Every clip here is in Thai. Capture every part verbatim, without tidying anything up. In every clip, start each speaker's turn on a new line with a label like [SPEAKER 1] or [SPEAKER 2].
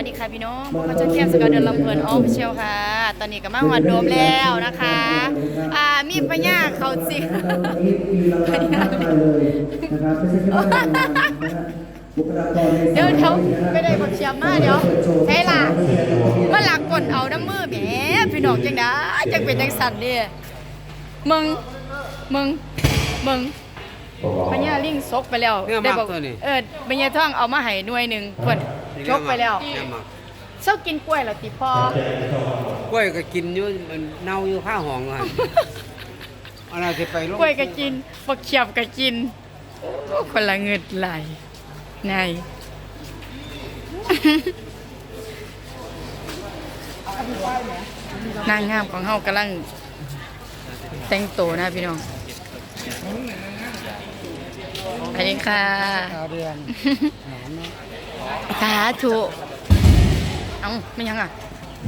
[SPEAKER 1] ดีค่ะพี่น้องพบกับเจ้าเทียมสกาวเดินลำเพลินออฟฟิเชียลค่ะตอนนี้ก็มาหอดโดมแล้วนะคะอ่ามีพญาเขาสิพญาเดี๋ยวเดี๋ยวไม่ได้บักเชียมมาเดี๋ยวใช่ล่ะมาหลักกดเอาน้ำมือแหมพี่น้องจังนะจังเป็นจังสันเนี่ยมึงมึงมึงพญาลิงซกไปแล้วได้บอกเออพญาท่องเอามาให้หน่วยหนึ่งเพิ่นชกไปแล้วเช้ากินกล้วยเหรอติพ่อก
[SPEAKER 2] ล้วยก็กินอยู่มันเน่าอยู่ข้างห้องอ่ะอะไรจะไปลง
[SPEAKER 1] กล้วยก็กินบักเขียบก็กินโอ้คนละเงิดไหลไงนางงามของเฮากำลังแต่งตัวนะพี่น้องสวัสดีค่ะสาธุเอ้าไม่ยังอ่ะ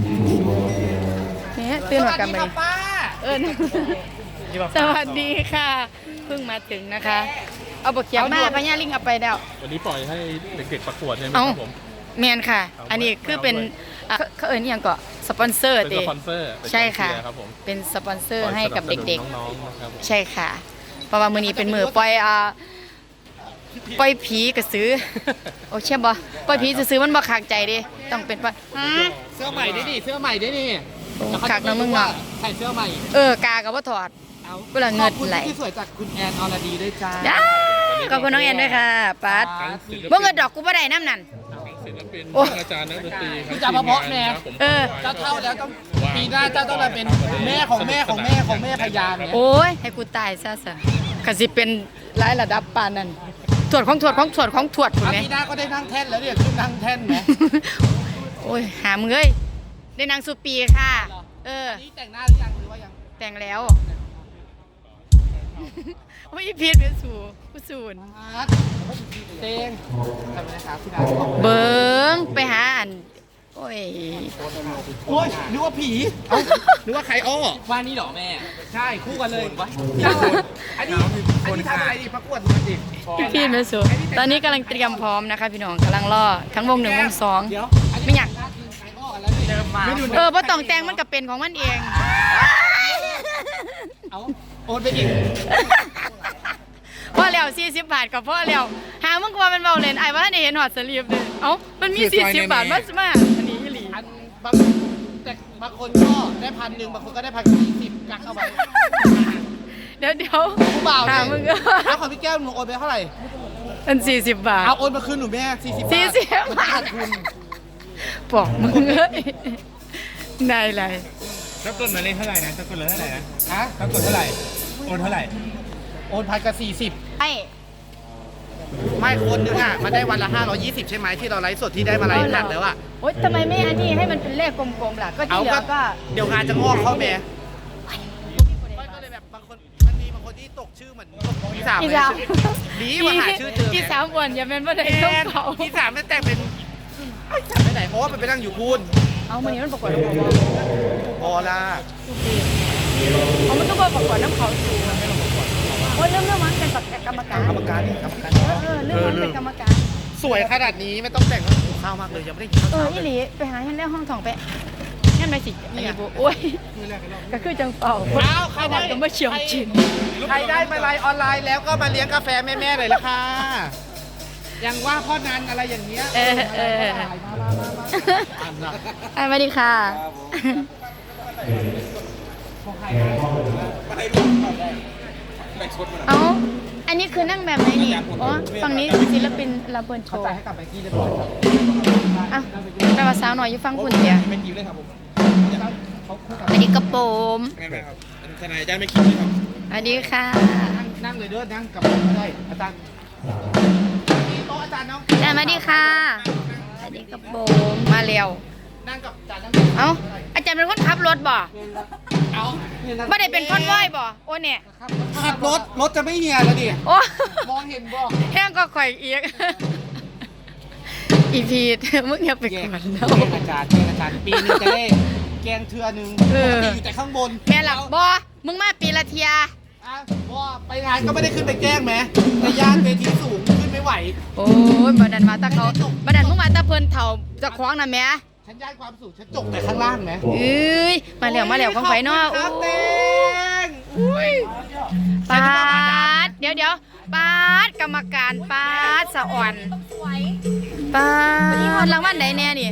[SPEAKER 1] เนี่ยตื่นหัวกันไปเออสวัสดีค่ะเพิ่งมาถึงนะคะเอาบกเขียวมาพญาลิงเอาไปแล้ว
[SPEAKER 3] วันนี้ปล่อยให้เด็กๆประกวดใช่ไหมค
[SPEAKER 1] รั
[SPEAKER 3] บผม
[SPEAKER 1] แมนค่ะอันนี้คือเป็นเขาเอิญยังก็สปอนเซอร์
[SPEAKER 3] เป็นสปอนเซอร์
[SPEAKER 1] ใช่ค่ะเป็นสปอนเซอร์ให้กับเด็กๆใช่ค่ะเพราะว่ามื้อนี้เป็นมื้อปล่อยอ่าปล่อยผีกระซื้อโอ้เชื่อบ่ปล่อยผีจะซื้อมันบ่ขากใจดิต้องเป็นว่า
[SPEAKER 2] เสื้อใหม่ได้ดิเสื้อใหม่ได้ดิ
[SPEAKER 1] ขากน้องมึงเนาะ
[SPEAKER 2] ใส่เสื้อใหม่
[SPEAKER 1] เออกากับว่าถอดก็ละเงิดไหล
[SPEAKER 2] ที่สวยจากคุณแอนอรดีด้วยจ้า
[SPEAKER 1] ขอบคุณน้องแอนด้วยค่ะปัดบ่เงินดอกกูบ่ได้น้ำนั่น
[SPEAKER 3] ศิลปินอาจารย์นักดนตรี
[SPEAKER 2] ที่จะมาเพาะแม่
[SPEAKER 1] เออ
[SPEAKER 2] เจ้าเท่าแล้วต้องปีหน้าเจ้าต้องมาเป็นแม่ของแม่ของแม่ของแม่พยาน
[SPEAKER 1] โอ้ยให้กูตายซะซะก็สิเป็นหลายระดับปานนั้นถวดของถวดของถวดของถวดคุณแม่
[SPEAKER 2] ปีหน้าก็ได้นั่งแท่นแล้วเนี่ยขึ้นนั่งแท่นไหม
[SPEAKER 1] โอ้ยหามึงเอ้ยได้นางสุปีค่ะเออ
[SPEAKER 2] นี่แต่งหน้าหรือยังหรือว่ายัง
[SPEAKER 1] แต่งแล้วไม่พีดเป็นสูผู้สูน
[SPEAKER 2] เต้งทำไมนะครับพี่ดา
[SPEAKER 1] เบิ้งไปหาอันโอ้ย
[SPEAKER 2] โอ้ยนึกว่าผีนึกว่าใครอ้อว่านี่หรอแม่ใช่คู่กันเลยอันนี้อันนี้ทำอะไรดิประกวดมันดิ
[SPEAKER 1] พี่พีดเป็นสูตอนนี้กำลังเตรียมพร้อมนะคะพี่น้องกำลังล่อทั้งวงหนึ่งวงสองไม่อยากเออเพราะต้องแต่งมันก็เป็นของมันเอง
[SPEAKER 2] เอาโอนไปอีก
[SPEAKER 1] พ่อแล้วสี่สิบบาทกับพ่อแล้วหามึงกว่ามันเบาเลยไอ้ว่าได้เห็นหอดสลีปเลยเอ้ามันมีสี่สิบบาทมาสมาอันนี้หลี
[SPEAKER 2] อันบางแต่บางคนก็ได้พันหนึ่งบางคนก็ได้พันสี่สิบกักเข้าไป
[SPEAKER 1] เดี๋ยวเดี๋ยว
[SPEAKER 2] ผู้บ่าว
[SPEAKER 1] หามึงก็
[SPEAKER 2] แล้วของพี่แก้วหนูโอนไปเท่าไหร่
[SPEAKER 1] อันสี่สิบบาท
[SPEAKER 2] เอาโอนมาคืนหนูแม่สี่สิบบาท
[SPEAKER 1] สี่สิบบาทคุณบอกมึงเอ้ยได้เลย
[SPEAKER 3] ถ้ากดมาเล่นเท่าไหร่นะถ้ากดเลยเท่าไหร่นะ
[SPEAKER 2] ฮะ
[SPEAKER 3] ถ้ากดเท่าไหร่โอนเท่าไหร่
[SPEAKER 2] โอนพันกับสี่สิบ
[SPEAKER 1] ไม่
[SPEAKER 2] ไม่คนนึงอ่ะมันได้วันละห้าร้อยยี่สิบใช่ไหมที่เราไลฟ์สดที่ได้มาไลฟ์หนักแล้วอ่ะ
[SPEAKER 1] โอ๊ยทำไมไม่อันนี้ให้มันเป็นเลขกลมๆล่ะก็ที่เหลือก็
[SPEAKER 2] เดี๋ยวงานจะงอกเข้าแม่ก็เลยแบบบางคนมันมีบางคนที่ตกชื่อเหมือนพี่สามเลยดีมาหาชื่อเจอ
[SPEAKER 1] พี่สามวันอย่าเป็นว่าได้ต้องเขา
[SPEAKER 2] พี่สามไม่แต่งเป็นจำไม่ไหนเพราะว่ามันไปนั่งอยู่พูน
[SPEAKER 1] เอามันนี้มันประกวดน้ำเขา
[SPEAKER 2] พอละ
[SPEAKER 1] เอามันต้องไปประกวดน้ำเขาสูงโอ้ยเรื่องเรื่องมันเป็นกรรมการ
[SPEAKER 2] กรรมการกรรมการ
[SPEAKER 1] เออเรื่องมันเป็นกรรมการ
[SPEAKER 2] สวยขนาดนี้ไม่ต้องแต่งแล้วหิวข้าวมากเลยยังไม่ได้กินข้าว
[SPEAKER 1] เอออีหลีไปหาให้แล้วห้องทองไปงั้นไปสิอีบุโอ้ยก็คือจังเป่า
[SPEAKER 2] อ้าวใครได้
[SPEAKER 1] ก็ไม่เชี่ยวจิน
[SPEAKER 2] ใครได้มาไลน์ออนไลน์แล้วก็มาเลี้ยงกาแฟแม่ๆเลยละค่ะยังว่าพ่อนันอะไรอย่างเงี้ย
[SPEAKER 1] เออเออสวัสดีค่ะเอ้าอันนี้คือนั่งแบบไหนนี่อ๋อฝั่งนี้ศิลปินลาเบิร์นโชว์
[SPEAKER 2] ให้กลับไปกี้เรียบร้อย
[SPEAKER 1] อ่ะแปลว่าสาวหน่อยอยู่ฟังคุณเดีย
[SPEAKER 2] เป็นยิ้มเลยครับผม
[SPEAKER 1] อันนี้กระโปรง
[SPEAKER 2] ทนายได้ไม่คิดเลยครับ
[SPEAKER 1] อันนี้ค่ะ
[SPEAKER 2] นั่งเลยเด้อนั่งกับผมก็ได้อาจารย์โต๊ะอาจารย์น้อง
[SPEAKER 1] อาจารย์มาดีค่ะอันนี้กระโปรงมาเร็ว
[SPEAKER 2] นั่งกับอาจารย์
[SPEAKER 1] เอ้าอาจารย์เป็นคนขับรถบ่
[SPEAKER 2] เอา
[SPEAKER 1] ไม่ได้เป็นคนว่ายบ่โอ้เนี่ย
[SPEAKER 2] ขับรถรถจะไม่เหี่ยแล้วดิ
[SPEAKER 1] โอ้
[SPEAKER 2] มองเห็นบ่
[SPEAKER 1] แห้งก็ข่อยเอียกอีพีมึงอย่าไปกวนเรา
[SPEAKER 2] อาจารย์แกงอาจารย์ปีนึงจะได้แกงเทือนึงปกติอยู่แต่ข้างบน
[SPEAKER 1] แม่หลักบ่มึงมาปีละเทีย
[SPEAKER 2] อ่ะบ่ไปงานก็ไม่ได้ขึ้นไปแกล้งแม้แต่ย่านเวทีสูงขึ้นไม่ไหว
[SPEAKER 1] โอ้ยบัดนั้นมาตาเขาบัดนั้นมึงมาตาเพิ่นเฒ่าเจะคล้าของน่ะแหม่
[SPEAKER 2] ฉันย้ายความสุขฉันจกแต่ข้างล่างไหม
[SPEAKER 1] เอ้ยมาแล้วมาแล้วของไฟเนาะ
[SPEAKER 2] ค
[SPEAKER 1] โอ้
[SPEAKER 2] รับเต้งอุ้ย
[SPEAKER 1] ปาดเดี๋ยวเดี๋ยวปาดกรรมการปาดสะอ่อนปาดรางวัลไหนแน่นี่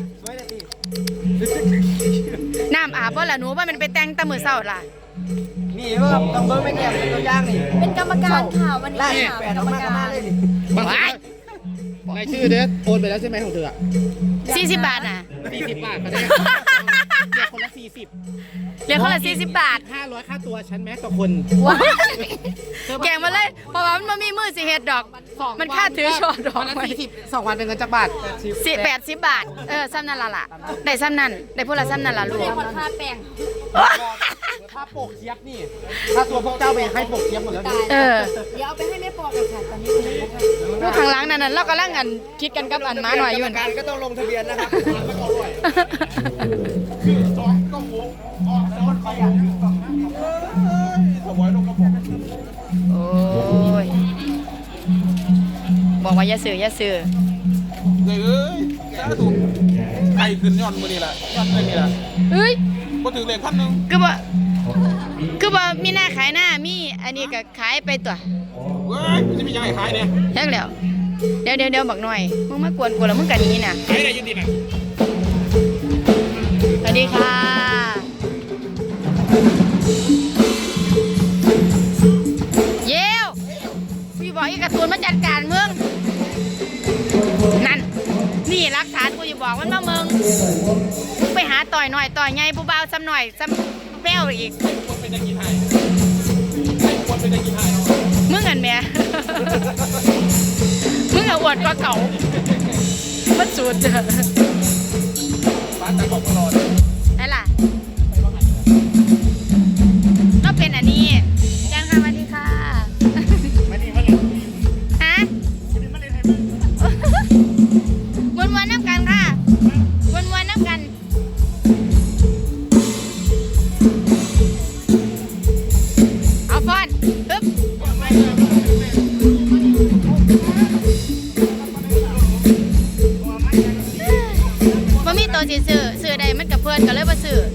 [SPEAKER 1] น้ำอาบบ่ล่ะหนูว่ามันไปแต่งแตะมือเศร้าล่ะ
[SPEAKER 2] นี่ว่าต้องเบิ้งไม่แก้มเป็นตัวอย่างนี่
[SPEAKER 4] เป็นกรรมการค่ะวันนี้
[SPEAKER 2] ไล่
[SPEAKER 4] ค่ะ
[SPEAKER 2] แป
[SPEAKER 4] เป็
[SPEAKER 2] ด
[SPEAKER 4] น
[SPEAKER 2] อก
[SPEAKER 4] ร
[SPEAKER 2] อก
[SPEAKER 4] รม
[SPEAKER 2] มาก
[SPEAKER 4] การ
[SPEAKER 2] มาเลยนี่
[SPEAKER 1] ว้าย
[SPEAKER 2] รายชื่อเด็ดโอนไปแล้วใช่ไหมของเธอ
[SPEAKER 1] สี่สิบบาทน่ะ
[SPEAKER 2] สี่สิบบาทก็ได้เดี๋ยวคนละสี่สิบ
[SPEAKER 1] เรียกเขาละสี่สิบบาท
[SPEAKER 2] ห้าร้อยค่าตัวฉันแม้ต่อคน
[SPEAKER 1] ว้ายแกงมาเลยเพราะว่ามันบ่มีมือสิเฮ็ดดอก มันค่าถือช่อดอก
[SPEAKER 2] วันละ
[SPEAKER 1] ไว้
[SPEAKER 2] สี่สิบสองวันเป็นเงินจักบาท
[SPEAKER 1] สิแปดสิบบาท เออซ้ำนั่นละล่ะ ได้ซ้ำนั่นได้พูดละซ้ำนั่นละลูก
[SPEAKER 4] เป็นคนค่าแป้ง
[SPEAKER 2] ถ้าโปกเทียบนี่ถ้าตัวพวกเจ้าไปให้โปกเทียบหมดแล้วนี่
[SPEAKER 1] เออ
[SPEAKER 4] เดี๋ยวเอาไปให้แม่ปอกันค่ะตอนนี้คุณแม่ค่ะ
[SPEAKER 1] ลูกข้างหลังนั่นน่ะเรากำลังอันคิดกันกับอันหมาหน่อยอยู่
[SPEAKER 2] กรรมการก็ต้องลงทะเบียนนะครับ
[SPEAKER 1] โอ้ยบอกว่าอย่าซื้ออย่าซื้อ
[SPEAKER 3] เอ้ยสาธุไก่ขึ้นย้อนมือนี่แหละย้อนเลยนี่แหละ
[SPEAKER 1] เฮ้ย
[SPEAKER 3] ก็ถึงเลขขั้นหนึ่ง
[SPEAKER 1] คือบ่คือบ่มีหน้าขายหน้ามีอันนี้ก็ขายไปตัว
[SPEAKER 3] เว้ยมันจะมียังไงขายเนี่ย
[SPEAKER 1] แท้แล้วเดี๋ยวเดี๋ยวเดี๋ยวบักหน่อยมึงมากวนกูแล้วมึงกันนี้น่ะ
[SPEAKER 3] ขายได้ยังดีนะ
[SPEAKER 1] สวัสดีค่ะเยวพี่บอกอีกการ์ตูนมาจัดการมึงนั่นนี่รักฐานกูจะบอกมันมามึงมึงไปหาต่อยหน่อยต่อยไงผู้เบาซ้ำหน่อยซ้ำแป้วอีก
[SPEAKER 3] ควรเป็นจะกินให้ควรเป็นจะกินให้
[SPEAKER 1] มึงอันแม่ มึงอะอวดกว่าเก่ามันสุดเจอ
[SPEAKER 3] ร้านแต่ของตลอด
[SPEAKER 1] ไอ้ล่ะก็เป็นอันนี้ยังค่ะสวัสดีค่ะ
[SPEAKER 3] มาดีมาเลย
[SPEAKER 1] ฮะ
[SPEAKER 3] มาเลยให้มึง
[SPEAKER 1] วนวนๆน้ำกันค่ะวนวนๆน้ำกันเอาฟอนปึ๊บบ่มีตัวสิซื้อซื้อใดมันกับเพื่อนก็เลยบ่ซื้อ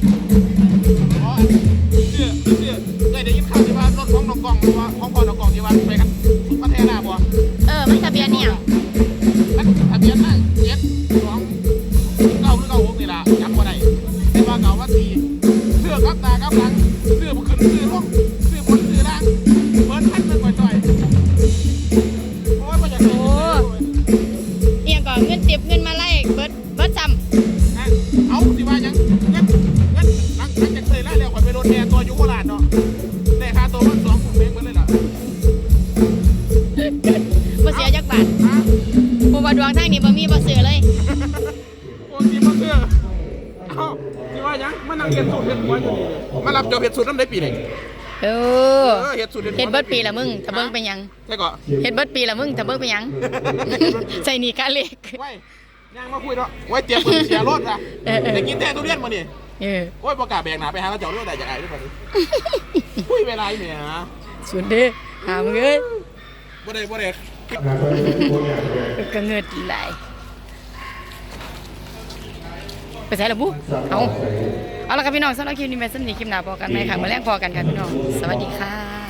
[SPEAKER 3] เชื่อเชื่อเคยได้ยินข่าวที่ว่ารถของน้องกองหรือว่าของพ่อน้องกองที่ว่าไปกันประเทศหน้าบ่
[SPEAKER 1] เออมันทะเบียนเนี่ยง
[SPEAKER 3] มันทะเบียนนั่งเจ็ดสองเก้าหรือเก้าหกนี่ล่ะจำบ่ได้แต่ว่าเก่าว่าสี่เสื้อกับตากับหลังเสื้อบุขึ้นเสื้อลงเสื้อบนเสื้อล่างเบิร์นพันเป็นต่อยๆโอ้ยมาจากไหน
[SPEAKER 1] โอ้เอียงก่อนเงินติบเงินมาไล่เบิดเบิดซ้
[SPEAKER 3] เอาสิว่ายังเงินเงินหลังหลังจากเคยไล่แล้วข่อยไปโดนแทนตัวอยุโคราชเนาะได้ค่าตัวมันสองหมื่นเมตรเหมือนเลยล่ะ
[SPEAKER 1] ำบ่เสียจักบาท
[SPEAKER 3] ฮะ
[SPEAKER 1] ผู้ว่าดวงทางนี้บ่มีบ่ซื้อเลย
[SPEAKER 3] โอ้ยมาเสื้อเอ้าสิว่ายังมานั่งเห็ดสูตรเห็ดหัวอยู่นี่มารับจอบเห็ดสูตรน้ำได้ปีไหน
[SPEAKER 1] เออ
[SPEAKER 3] เออเห็ดสูตรเห็ดหัว
[SPEAKER 1] เฮ็ดเบิดปีละมึงถ้าเบิ่งเป็นหยัง
[SPEAKER 3] ใช่ก่อน
[SPEAKER 1] เฮ็ดเบิดปีละมึงถ้าเบิ่งเป็นหยัง ใส่หนี่กะเล็ก
[SPEAKER 3] ไว้ยังมาคุยเนาะไว้เตรียมมือเสียรถอ่ะ
[SPEAKER 1] เออเออ
[SPEAKER 3] ได้กินแท้ทุเรียนมานี่
[SPEAKER 1] เออ
[SPEAKER 3] โอ้ยประกาศแบกหนาไปหาเราเจ้าเรื่องใดจากไอ้ทุกคนคุยเวลาเนี่ยฮะ
[SPEAKER 1] สุดเด้อหามึงเอ้ย
[SPEAKER 3] บ่ได้บ่ได้
[SPEAKER 1] ก็เงิดหลายไปใส่ละบุเอาเอาละครับพี่น้องสำหรับคลิปนี้แม่สำนีคลิปหน้าพอกันไหมค่ะมาแลกพอกันค่ะพี่น้องสวัสดีค่ะ